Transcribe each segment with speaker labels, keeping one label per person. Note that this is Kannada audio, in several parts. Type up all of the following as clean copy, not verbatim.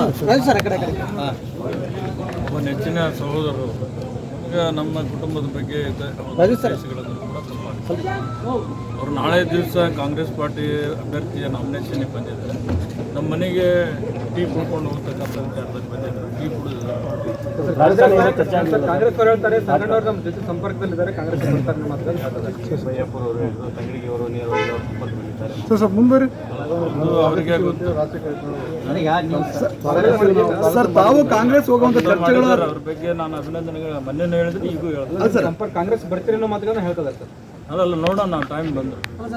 Speaker 1: ಒಬ್ಬ ನೆಚ್ಚಿನ ಸಹೋದರರು ಈಗ ನಮ್ಮ ಕುಟುಂಬದ ಬಗ್ಗೆ ಉದ್ದೇಶಗಳನ್ನು ಕೂಡ ಅವರು ನಾಳೆ ದಿವಸ ಕಾಂಗ್ರೆಸ್ ಪಾರ್ಟಿ ಅಭ್ಯರ್ಥಿಯ ನಾಮಿನೇಷನ್ಗೆ ಬಂದಿದ್ದಾರೆ. ನಮ್ಮ ಮನೆಗೆ ಟೀ ಕುಡ್ಕೊಂಡು ಹೋಗ್ತಕ್ಕಂಥ ವಿಚಾರದಲ್ಲಿ ಬಂದಿದ್ದಾರೆ. ಟೀ ಕುಡಿದಿದ್ದಾರೆ.
Speaker 2: ಕಾಂಗ್ರೆಸ್ ಅವರು ಹೇಳ್ತಾರೆ ಸಂಗಣ್ಣವರು ನಮ್ಮ ಜೊತೆ ಸಂಪರ್ಕದಲ್ಲಿದ್ದಾರೆ, ಕಾಂಗ್ರೆಸ್ ಬರ್ತಾರೆ ಮಾತ್ರ
Speaker 3: ಮುಂಬರಿ
Speaker 1: ಅವರಿಗೆ ಗೊತ್ತು.
Speaker 3: ಸರ್ ತಾವು ಕಾಂಗ್ರೆಸ್ ಹೋಗುವಂತ ಚರ್ಚೆಗಳು
Speaker 1: ಅವ್ರ ಬಗ್ಗೆ ನಾನು ಅಭಿನಂದನೆಗಳು ಮೊನ್ನೆ ಹೇಳಿದ್ರೆ ಈಗೂ ಹೇಳಿದ್ರು.
Speaker 2: ಸಂಪರ್ಕ ಕಾಂಗ್ರೆಸ್ ಬರ್ತೀರಿ ಅನ್ನೋ ಮಾತುಗಳನ್ನ ಹೇಳ್ತದೆ ಸರ್.
Speaker 1: ಅದಲ್ಲ ನೋಡೋಣ, ಟೈಮ್ ಬಂದರು.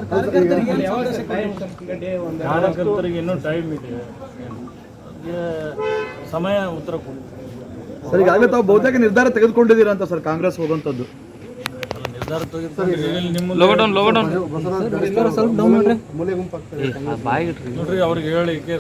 Speaker 1: ಕಾರ್ಯಕರ್ತರಿಗೆ ಇನ್ನೂ ಟೈಮ್ ಇದೆ, ಅದಕ್ಕೆ ಸಮಯ ಉತ್ತರ ಕೊಡಿ.
Speaker 3: ಸರ್ ಈಗಾಗಲೇ ತಾವು ಬಹುತೇಕ ನಿರ್ಧಾರ ತೆಗೆದುಕೊಂಡಿದ್ದೀರಾ ಅಂತ ಸರ್ ಕಾಂಗ್ರೆಸ್ ಹೋಗುವಂಥದ್ದು?
Speaker 1: ನಿರ್ಧಾರ ತೆಗೆದುಕೊಂಡಿದ್ದೀವಿ. ನೋಡ್ರಿ ಅವ್ರಿಗೆ ಹೇಳಿಕೆ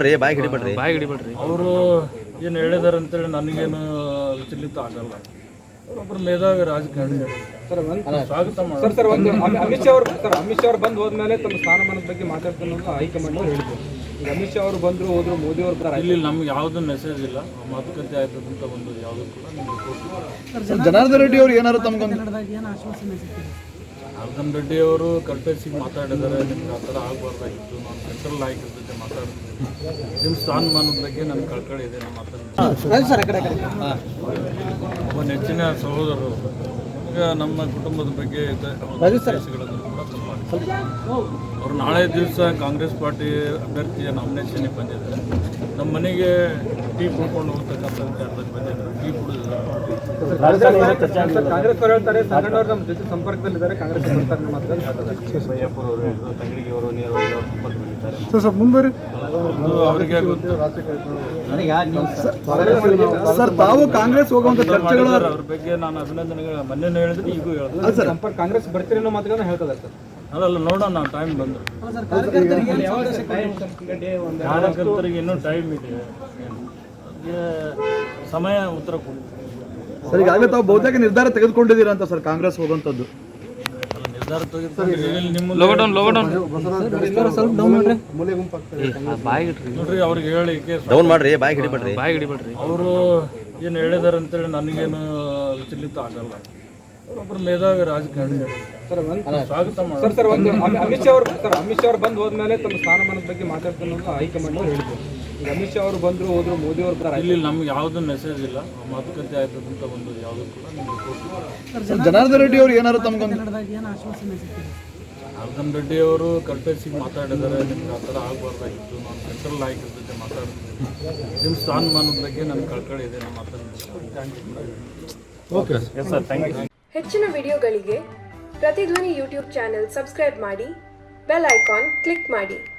Speaker 1: ಅವರು ಏನು ಹೇಳಿದಾರೆ ಅಂತೇಳಿ ನನಗೇನು ವಿಚಲಿತ ಆಗಲ್ಲ. ಅವರೊಬ್ಬರು ಮೇಧಾವಿ ರಾಜಕಾರಣಿ. ಸ್ವಾಗತ ಮಾಡಿ.
Speaker 2: ಸರ್ ಒಂದು ಅಮಿತ್ ಶಾ ಅವರು ಬಂದು ಹೋದ್ಮೇಲೆ ತಮ್ಮ ಸ್ಥಾನಮಾನದ ಬಗ್ಗೆ ಮಾತಾಡ್ತಾನೆ ಹೈಕಮಾಂಡ್ ಹೇಳಿದ್ರು. ಈಗ ಅಮಿತ್ ಶಾ ಅವರು ಬಂದ್ರು ಹೋದ್ರು, ಮೋದಿ ಅವರು ಬರ್ತಾರೆ.
Speaker 1: ಇಲ್ಲಿ ನಮ್ಗೆ ಯಾವುದೂ ಮೆಸೇಜ್ ಇಲ್ಲ, ಮಾತುಕತೆ ಆಯ್ತದಂತ ಒಂದು ಯಾವುದೂ ಕೂಡ ನಿಮ್ಗೆ ಕೊಡ್ತೀವಿ.
Speaker 3: ಜನಾರ್ದನ್ ರೆಡ್ಡಿ ಅವರು ಏನಾದ್ರು ತಮ್ಗೆ
Speaker 1: ಜನಾರ್ದನ್ ರೆಡ್ಡಿ ಅವರು ಕಲ್ಪೇಸಿಗೆ ಮಾತಾಡಿದ್ದಾರೆ. ನಿಮ್ಗೆ ಆ ಥರ ಆಗಬಾರ್ದಾಗಿತ್ತು, ನಾನು ಸೆಂಟ್ರಲ್ ನಾಯಕರ ಜೊತೆ ಮಾತಾಡ್ತೀನಿ, ನಿಮ್ಮ ಸ್ಥಾನಮಾನದ ಬಗ್ಗೆ ನನ್ನ ಕಳ್ಕಳಿ ಇದೆ, ನಾನು ಮಾತಾಡ್ತೀನಿ. ಒಬ್ಬ ನೆಚ್ಚಿನ ಸಹೋದರರು ಈಗ ನಮ್ಮ ಕುಟುಂಬದ ಬಗ್ಗೆ ಉದ್ದೇಶಗಳನ್ನು ಕೂಡ ಅವರು ನಾಳೆ ದಿವಸ ಕಾಂಗ್ರೆಸ್ ಪಾರ್ಟಿ ಅಭ್ಯರ್ಥಿಯ ನಾಮಿನೇಷನ್ಗೆ ಬಂದಿದ್ದಾರೆ. ನಮ್ಮ ಮನೆಗೆ ಟೀ ಕುಡ್ಕೊಂಡು ಹೋಗ್ತಕ್ಕಂಥ ವಿಚಾರದಲ್ಲಿ ಬಂದಿದ್ದಾರೆ. ಟೀ ಕುಡಿದಿದ್ದಾರೆ.
Speaker 2: ಕಾಂಗ್ರೆಸ್ ಅವರು ಹೇಳ್ತಾರೆ ಸಂಗಣ್ಣವರು ನಮ್ಮ ಜೊತೆ ಸಂಪರ್ಕದಲ್ಲಿದ್ದಾರೆ, ಕಾಂಗ್ರೆಸ್ ಬರ್ತಾರೆ ಮಾತ್ರ
Speaker 3: ಮುಂಬರಿ
Speaker 1: ಅವರಿಗೆ ಗೊತ್ತು.
Speaker 3: ಸರ್ ತಾವು ಕಾಂಗ್ರೆಸ್ ಹೋಗುವಂತ ಚರ್ಚೆಗಳು
Speaker 1: ಅವ್ರ ಬಗ್ಗೆ ನಾನು ಅಭಿನಂದನೆಗಳು ಮೊನ್ನೆ ಹೇಳಿದ್ರೆ ಈಗೂ ಹೇಳಿದ್ರು.
Speaker 2: ಸಂಪರ್ಕ ಕಾಂಗ್ರೆಸ್ ಬರ್ತೀರಿ ಅನ್ನೋ ಮಾತುಗಳನ್ನ ಹೇಳ್ತದೆ ಸರ್.
Speaker 1: ಅದಲ್ಲ ನೋಡೋಣ, ಟೈಮ್ ಬಂದರು. ಕಾರ್ಯಕರ್ತರಿಗೆ ಇನ್ನೂ ಟೈಮ್ ಇದೆ, ಅದಕ್ಕೆ ಸಮಯ ಉತ್ತರ ಕೊಡಿ.
Speaker 3: ಸರ್ ಈಗಾಗಲೇ ತಾವು ಬಹುತೇಕ ನಿರ್ಧಾರ ತೆಗೆದುಕೊಂಡಿದ್ದೀರಾ ಅಂತ ಸರ್ ಕಾಂಗ್ರೆಸ್ ಹೋಗುವಂಥದ್ದು?
Speaker 1: ನಿರ್ಧಾರ ತೆಗೆದುಕೊಂಡಿದ್ದೀವಿ. ನೋಡ್ರಿ ಅವ್ರಿಗೆ ಹೇಳಿಕೆ ಅವರು ಏನು ಹೇಳಿದಾರೆ ಅಂತೇಳಿ ನನಗೇನು ವಿಚಲಿತ ಆಗಲ್ಲ. ಅವರೊಬ್ಬರು ಮೇಧಾವಿ ರಾಜಕಾರಣಿ. ಸ್ವಾಗತ ಮಾಡಿ.
Speaker 2: ಸರ್ ಒಂದು ಅಮಿತ್ ಶಾ ಅವರು ಬಂದು ಹೋದ್ಮೇಲೆ ತಮ್ಮ ಸ್ಥಾನಮಾನದ ಬಗ್ಗೆ ಮಾತಾಡ್ತಾನೆ ಹೈಕಮಾಂಡ್ ಹೇಳಿದ್ರು. ಈಗ ಅಮಿತ್ ಶಾ ಅವರು ಬಂದ್ರು ಹೋದ್ರು, ಮೋದಿ ಅವರು ಬರ್ತಾರೆ.
Speaker 1: ಇಲ್ಲಿ ನಮ್ಗೆ ಯಾವುದೂ ಮೆಸೇಜ್ ಇಲ್ಲ, ಮಾತುಕತೆ ಆಯ್ತದಂತ ಒಂದು ಯಾವುದೂ ಕೂಡ ನಿಮ್ಗೆ ಕೊಡ್ತೀವಿ.
Speaker 3: ಜನಾರ್ದನ್ ರೆಡ್ಡಿ ಅವರು ಏನಾದ್ರು ತಮ್ಗೆ
Speaker 1: ಜನಾರ್ದನ್ ರೆಡ್ಡಿ ಅವರು ಕಲ್ಪೇಸಿಗೆ ಮಾತಾಡಿದ್ದಾರೆ. ನಿಮ್ಗೆ ಆ ಥರ ಆಗಬಾರ್ದಾಗಿತ್ತು, ನಾನು ಸೆಂಟ್ರಲ್ ನಾಯಕರ ಜೊತೆ ಮಾತಾಡ್ತೀನಿ, ನಿಮ್ಮ ಸ್ಥಾನಮಾನದ ಬಗ್ಗೆ ನನ್ನ ಕಳ್ಕಳಿ ಇದೆ, ನಾನು ಮಾತಾಡ್ತೀನಿ.
Speaker 3: Okay
Speaker 1: sir, thank you.
Speaker 4: ಹೆಚ್ಚಿನ ವಿಡಿಯೋಗಳಿಗೆ ಪ್ರತಿಧ್ವನಿ ಯೂಟ್ಯೂಬ್ ಚಾನೆಲ್ ಸಬ್ಸ್ಕ್ರೈಬ್ ಮಾಡಿ, ಬೆಲ್ ಐಕಾನ್ ಕ್ಲಿಕ್ ಮಾಡಿ.